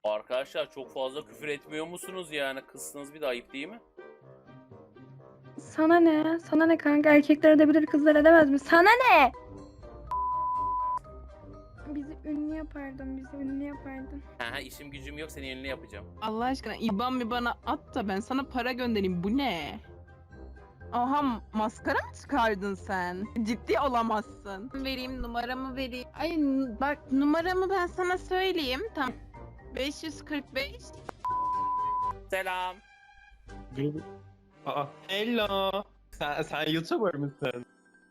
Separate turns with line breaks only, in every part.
Arkadaşlar çok fazla küfür etmiyor musunuz yani? Kızsınız bir de ayıp değil mi?
Sana ne? Sana ne kanka? Erkekler edebilir, kızlar edemez mi? Sana ne? Bizi ünlü yapardın, bizi ünlü yapardın.
Ha işim gücüm yok seni ünlü yapacağım.
Allah aşkına IBAN mi bana at da ben sana para göndereyim. Bu ne? Aha, maskara mı çıkardın sen? Ciddi olamazsın. Vereyim, numaramı vereyim. Ay bak, numaramı ben sana söyleyeyim. Tamam. 545.
Selam.
Aa, hello. Sen YouTuber mısın?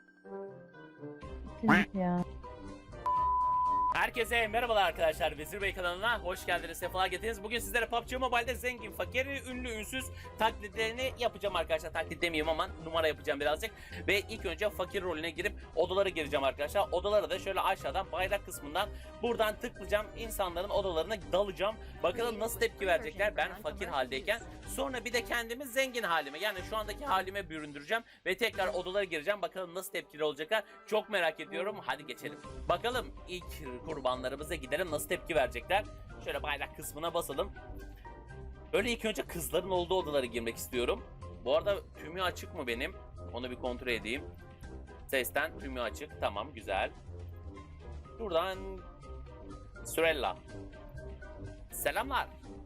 Ya.
Herkese merhabalar arkadaşlar. Vezir Bey kanalına hoş geldiniz. Sefalar getirdiniz. Bugün sizlere PUBG Mobile'de zengin, fakir, ünlü, ünsüz taklitlerini yapacağım arkadaşlar. Taklit demeyeyim ama numara yapacağım birazcık. Ve ilk önce fakir rolüne girip odalara gireceğim arkadaşlar. Odalara da şöyle aşağıdan bayrak kısmından buradan tıklayacağım. İnsanların odalarına dalacağım. Bakalım nasıl tepki verecekler ben fakir haldeyken. Sonra bir de kendimi zengin halime, yani şu andaki halime büründüreceğim. Ve tekrar odalara gireceğim. Bakalım nasıl tepkili olacaklar. Çok merak ediyorum. Hadi geçelim. Bakalım ilk kurbanlarımıza gidelim, nasıl tepki verecekler. Şöyle bayrak kısmına basalım. Böyle ilk önce kızların olduğu odalara girmek istiyorum. Bu arada tümü açık mı benim? Onu bir kontrol edeyim. Sesten tümü açık. Tamam, güzel. Buradan Sürella. Selamlar.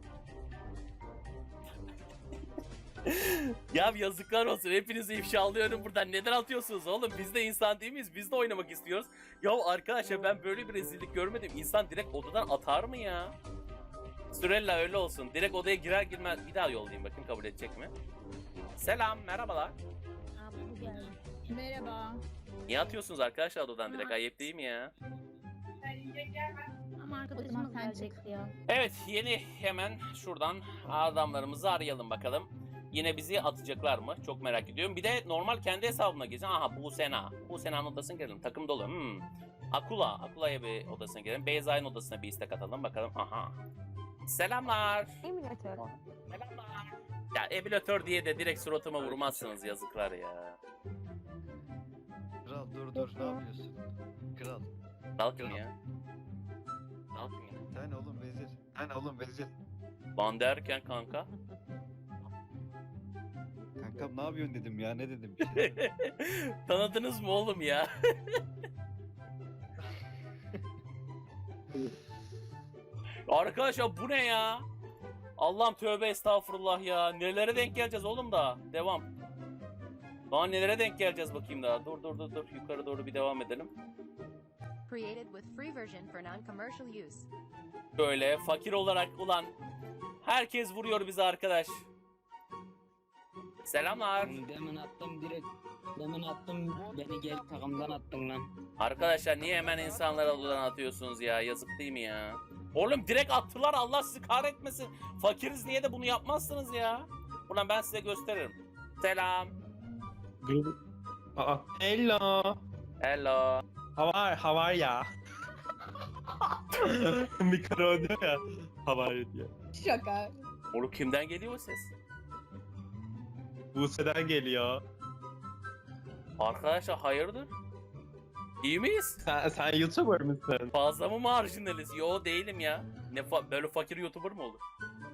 Ya yazıklar olsun, hepinizi ifşalıyorum buradan. Neden atıyorsunuz oğlum? Biz de insan değil miyiz? Biz de oynamak istiyoruz. Ya arkadaşlar ben böyle bir rezillik görmedim. İnsan direkt odadan atar mı ya? Sürella öyle olsun. Direkt odaya girer girmez bir daha yollayayım, bakın kabul edecek mi? Selam, merhabalar.
Merhaba.
Niye atıyorsunuz arkadaşlar odadan direkt? Ayıp değil mi ya?
Ama arkadaşımız gelecekti ya.
Evet, yeni hemen şuradan adamlarımızı arayalım bakalım. Yine bizi atacaklar mı? Çok merak ediyorum. Bir de normal kendi hesabıma gireceğim. Aha, Busena. Busena'nın odasına girelim. Takım dolu. Akula'ya bir odasına girelim. Beyza'nın odasına bir istek atalım. Bakalım. Aha. Selamlar.
Emülatör.
Selamlar. Ya emülatör diye de direkt suratıma vurmazsınız, yazıklar ya.
Kral dur ne yapıyorsun? Kral.
Dalkın ya. Dalkın ya.
Sen oğlum vezir.
Lan derken kanka.
Kankam ne yapıyorsun dedim ya, ne dedim bir şey.
Tanıdınız mı oğlum ya? Arkadaşlar bu ne ya? Allah'ım tövbe estağfurullah ya. Nelere denk geleceğiz oğlum da? Devam. Daha nelere denk geleceğiz bakayım daha. Dur. Yukarı doğru bir devam edelim.
Created with free version for non-commercial use.
Böyle fakir olarak ulan herkes vuruyor bizi arkadaş. Selamlar.
Demin attım direkt. Demin attım, beni gel takımdan attın lan.
Arkadaşlar niye hemen insanlara odadan atıyorsunuz ya? Yazık değil mi ya? Oğlum direkt attılar, Allah sizi kahretmesin. Fakiriz diye de bunu yapmazsınız ya. Ulan ben size gösteririm. Selam.
Aa, hello.
Hello.
How are ya? Mikro diyor ya. How are you diyor.
Şaka.
Oğlum kimden geliyor o ses?
Buse'den geliyor.
Arkadaşlar hayırdır? İyi miyiz?
Sen YouTuber mısın?
Fazla mı marjinaliz? Yo değilim ya. Böyle fakir YouTuber mı olur?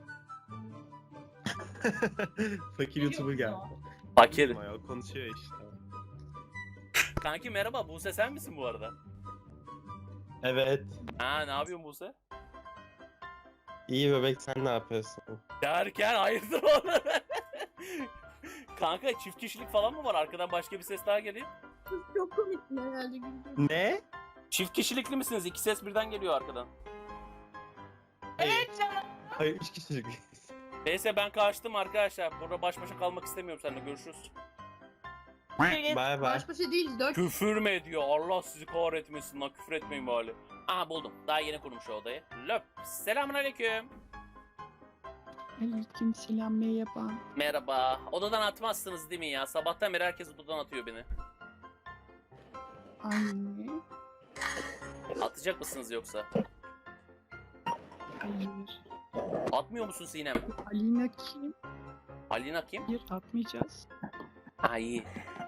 Fakir YouTuber geldi.
Fakir.
Konuşuyor işte.
Kanki merhaba, Buse sen misin bu arada?
Evet.
Ha, ne yapıyorsun Buse?
İyi bebek, sen ne yapıyorsun?
Derken hayırdır oğlum? Kanka çift kişilik falan mı var? Arkadan başka bir ses daha geliyor.
Çok komik herhalde güldüm.
Ne?
Çift kişilikli misiniz? İki ses birden geliyor arkadan.
Evet canım. Hayır, 3 kişilik.
Neyse ben kaçtım arkadaşlar. Burada baş başa kalmak istemiyorum seninle. Görüşürüz.
Bye bye.
Baş başa değil, dört.
Küfür mü ediyor? Allah sizi kahretmesin lan. Küfür etmeyin bari. Aha buldum. Daha yeni kurmuş o odayı. Löp. Selamünaleyküm.
Aleyküm selam, merhaba.
Merhaba. Odadan atmazsınız değil mi ya? Sabahtan beri herkes odadan atıyor beni.
Anne.
Atacak mısınız yoksa?
Hayır.
Atmıyor musun Sinem?
Alina kim?
Alina kim?
Hayır, atmayacağız.
Ay.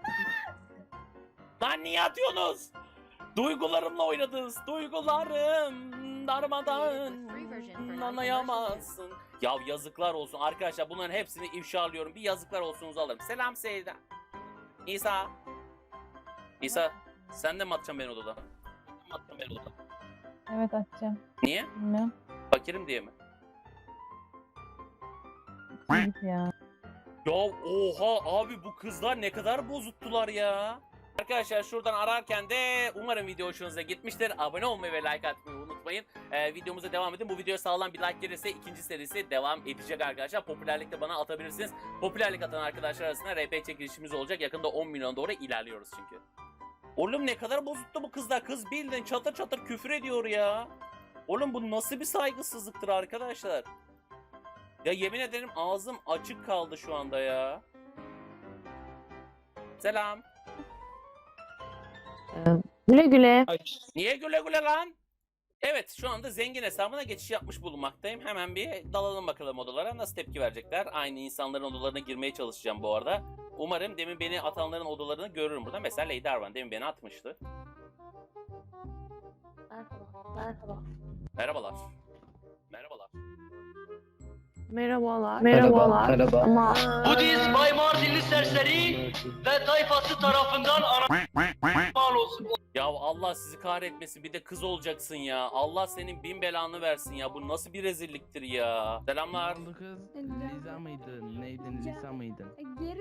Lan niye atıyorsunuz? Duygularımla oynadınız. Duygularım darmadan. anlayamazsın. Ya yazıklar olsun arkadaşlar, bunların hepsini ifşalıyorum. Bir yazıklar olsunuzu alırım. Selam Seyda. İsa. İsa sen de mi atacaksın beni odadan?
Evet atacağım.
Niye?
Bilmem.
Fakirim diye mi?
Git ya.
Ya oha abi, bu kızlar ne kadar bozuttular ya. Arkadaşlar şuradan ararken de umarım video hoşunuza gitmiştir. Abone olmayı ve like atmayı unutmayın. Videomuza devam edin. Bu videoya sağlam bir like gelirse ikinci serisi devam edecek arkadaşlar. Popülerlikte bana atabilirsiniz. Popülerlik atan arkadaşlar arasında RP çekilişimiz olacak. Yakında 10 milyon doğru ilerliyoruz çünkü. Oğlum ne kadar bozuttu bu kızlar. Kız bildiğin çatır çatır küfür ediyor ya. Oğlum bu nasıl bir saygısızlıktır arkadaşlar. Ya yemin ederim ağzım açık kaldı şu anda ya. Selam.
Güle güle.
Niye güle güle lan? Evet, şu anda zengin hesabına geçiş yapmış bulunmaktayım. Hemen bir dalalım bakalım odalara. Nasıl tepki verecekler? Aynı insanların odalarına girmeye çalışacağım bu arada. Umarım demin beni atanların odalarını görürüm burada. Mesela Lady Arvan demin beni atmıştı.
Merhaba.
Merhabalar. Merhabalar.
Merhabalar.
Merhaba.
Ama
Budist Bay Mardinli serseri ve tayfası tarafından mal olsun.
Ya Allah sizi kahretmesin, bir de kız olacaksın ya. Allah senin bin belanı versin ya. Bu nasıl bir rezilliktir ya. Selamlar.
Oldu kız. Liza mıydın? Neydin? Lisa mıydın?
Geri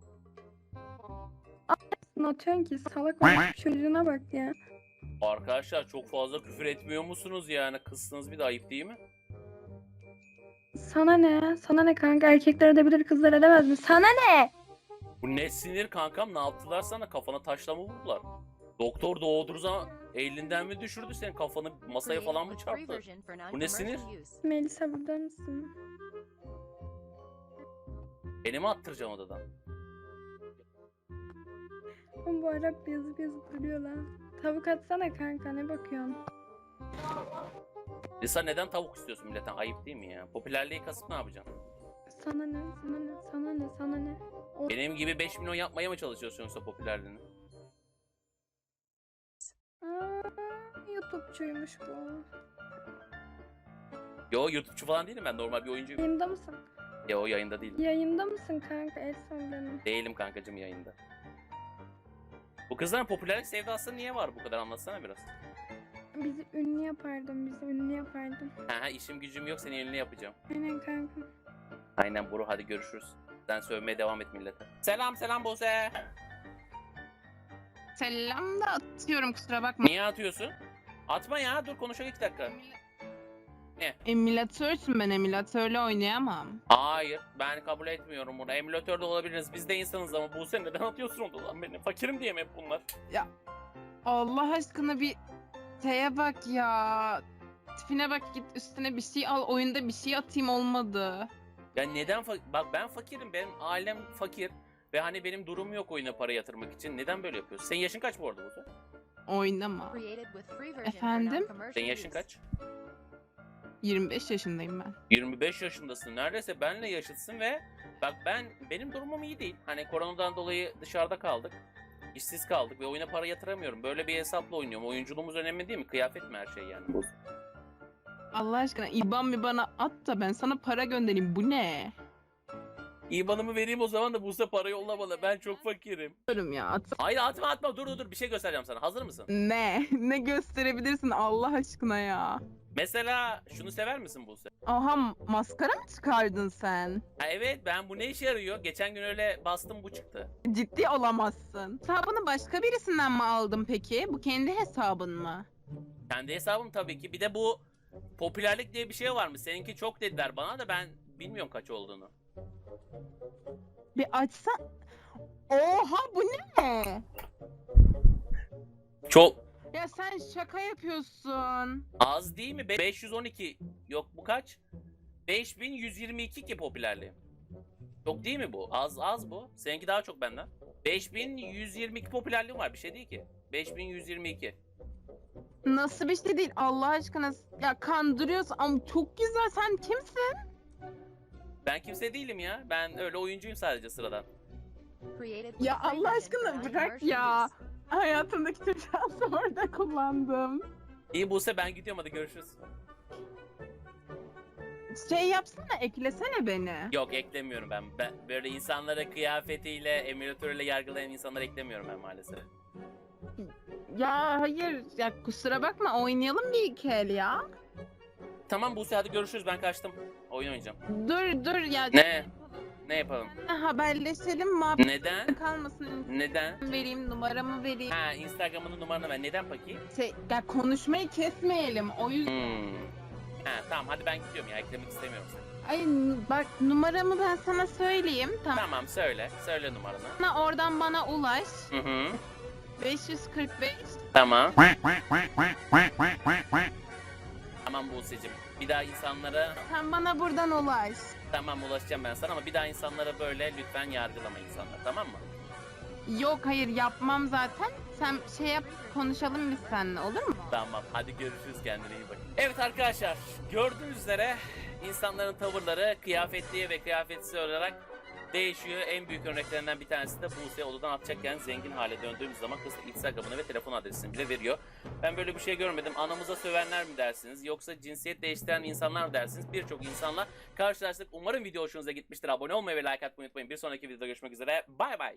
atıyorsun ki salak olmuş çocuğuna bak ya.
Arkadaşlar çok fazla küfür etmiyor musunuz yani? Kızsınız, bir de ayıp değil mi?
Sana ne? Sana ne kanka? Erkekler edebilir, kızlar edemez mi? Sana ne?
Bu ne sinir kankam, ne yaptılar sana? Kafana taşla mı vurdular? Doktor doğduğu zaman elinden mi düşürdü, senin kafanı masaya falan mı çarptı? Bu ne sinir?
Melisa burada mısın?
Beni mi attıracağım odadan?
Oğlum bu Arap yazıp yazıp duruyor lan. Tavuk atsana kanka, ne bakıyorsun?
Lisa neden tavuk istiyorsun milletten? Ayıp değil mi ya? Popülerliği kasıp ne yapacaksın?
Sana ne? Sana ne? Sana ne? Sana ne? O...
Benim gibi 5 milyon yapmaya mı çalışıyorsun yoksa popülerliğini?
YouTube'çuymuş bu.
Yo, YouTube'cu falan değilim ben, normal bir oyuncuyum.
Yayında mısın?
Ya o yayında değilim.
Yayında mısın kanka? El son benim.
Değilim kankacım yayında. Bu kızların popülerlik sevdası niye var bu kadar, anlatsana biraz.
Bizi ünlü yapardın, bizi ünlü yapardın.
Ha, işim gücüm yok, seni ünlü yapacağım.
Aynen kanka.
Aynen bro, hadi görüşürüz. Sen sövmeye devam et millete. Selam Buse.
Selam da atıyorum, kusura bakma.
Niye atıyorsun? Atma ya, dur konuşalım 2 dakika.
Emülatörsün, ben emülatörle oynayamam.
Hayır, ben kabul etmiyorum bunu. Emülatörde olabiliriz, biz de insanız ama Buse neden atıyorsun onu lan beni? Fakirim diye mi hep bunlar?
Allah aşkına bir şeye bak ya. Tipine bak, git üstüne bir şey al, oyunda bir şey atayım, olmadı.
Ya neden bak ben fakirim, benim ailem fakir. Ve hani benim durumum yok oyuna para yatırmak için. Neden böyle yapıyorsun? Senin yaşın kaç bu arada Buse?
Oynama. Efendim?
Senin yaşın kaç?
25 yaşındayım ben.
25 yaşındasın. Neredeyse benle yaşıtsın ve bak benim durumum iyi değil. Hani koronadan dolayı dışarıda kaldık. İşsiz kaldık ve oyuna para yatıramıyorum. Böyle bir hesapla oynuyorum. Oyunculuğumuz önemli değil mi? Kıyafet mi her şey yani?
Allah aşkına IBAN bir bana at da ben sana para göndereyim. Bu ne?
İban'ımı vereyim o zaman da Buse para yolla bana. Ben çok fakirim.
Diyorum ya, at.
Hayır atma. Dur. Bir şey göstereceğim sana. Hazır mısın?
Ne? Ne gösterebilirsin Allah aşkına ya?
Mesela şunu sever misin Buse?
Aha, maskara mı çıkardın sen?
Ha, evet, ben bu ne işe yarıyor? Geçen gün öyle bastım, bu çıktı.
Ciddi olamazsın. Hesabını başka birisinden mi aldın peki? Bu kendi hesabın mı?
Kendi hesabım tabii ki. Bir de bu popülerlik diye bir şey var mı? Seninki çok dediler bana da ben bilmiyorum kaç olduğunu.
Bir açsa... Oha, bu ne?
Çok
Ya sen şaka yapıyorsun.
az değil mi? 512. Yok, bu kaç? 5122 ki popülerliği. Çok değil mi bu? Az bu. Seninki daha çok benden. 5122 popülerliğim var, bir şey değil ki. 5122.
Nasıl bir şey değil Allah aşkına? Ya kandırıyorsun ama çok güzel. Sen kimsin?
Ben kimse değilim ya. Ben öyle oyuncuyum sadece sıradan.
Ya Allah aşkına bırak ya. Hayatımdaki tüm şansı orada kullandım.
İyi Buse, ben gidiyorum, hadi görüşürüz.
şey yapsana, eklesene beni.
Yok eklemiyorum ben. Ben böyle insanları kıyafetiyle, emülatörle yargılayan insanları eklemiyorum ben maalesef.
Ya hayır, ya kusura bakma, oynayalım bir iki el ya.
Tamam Buse hadi görüşürüz ben kaçtım. Oyun oynayacağım.
Dur ya.
Ne? Ne yapalım?
Haberleşelim, muhabbet
Neden?
kalmasın.
Neden?
Vereyim, numaramı vereyim.
Ha Instagram'ının numaranı ver. Neden peki?
Ya konuşmayı kesmeyelim, o yüzden.
Ha tamam hadi ben gidiyorum ya eklemek istemiyorum seni.
Ay bak, numaramı ben sana söyleyeyim, tamam.
Tamam söyle. Söyle numaranı.
Oradan bana ulaş.
Hı.
545.
Tamam. Tamam Buse'cim. Bir daha insanlara
Sen bana buradan ulaş.
tamam ulaşacağım ben sana ama bir daha insanlara böyle lütfen yargılama insanlar tamam mı?
Yok hayır, yapmam zaten. Sen şey yap, konuşalım biz seninle, olur mu?
Tamam hadi görüşürüz kendine iyi bak. Evet arkadaşlar gördüğünüz üzere insanların tavırları kıyafetliye ve kıyafetsiz olarak değişiyor. En büyük örneklerinden bir tanesi de Buse odadan atacakken zengin hale döndüğümüz zaman kız Instagram'ını ve telefon adresini bile veriyor. Ben böyle bir şey görmedim. Anamıza sövenler mi dersiniz yoksa cinsiyet değiştiren insanlar mı dersiniz? Birçok insanla karşılaştık. Umarım video hoşunuza gitmiştir. Abone olmayı ve like atmayı unutmayın. Bir sonraki videoda görüşmek üzere. Bay bay.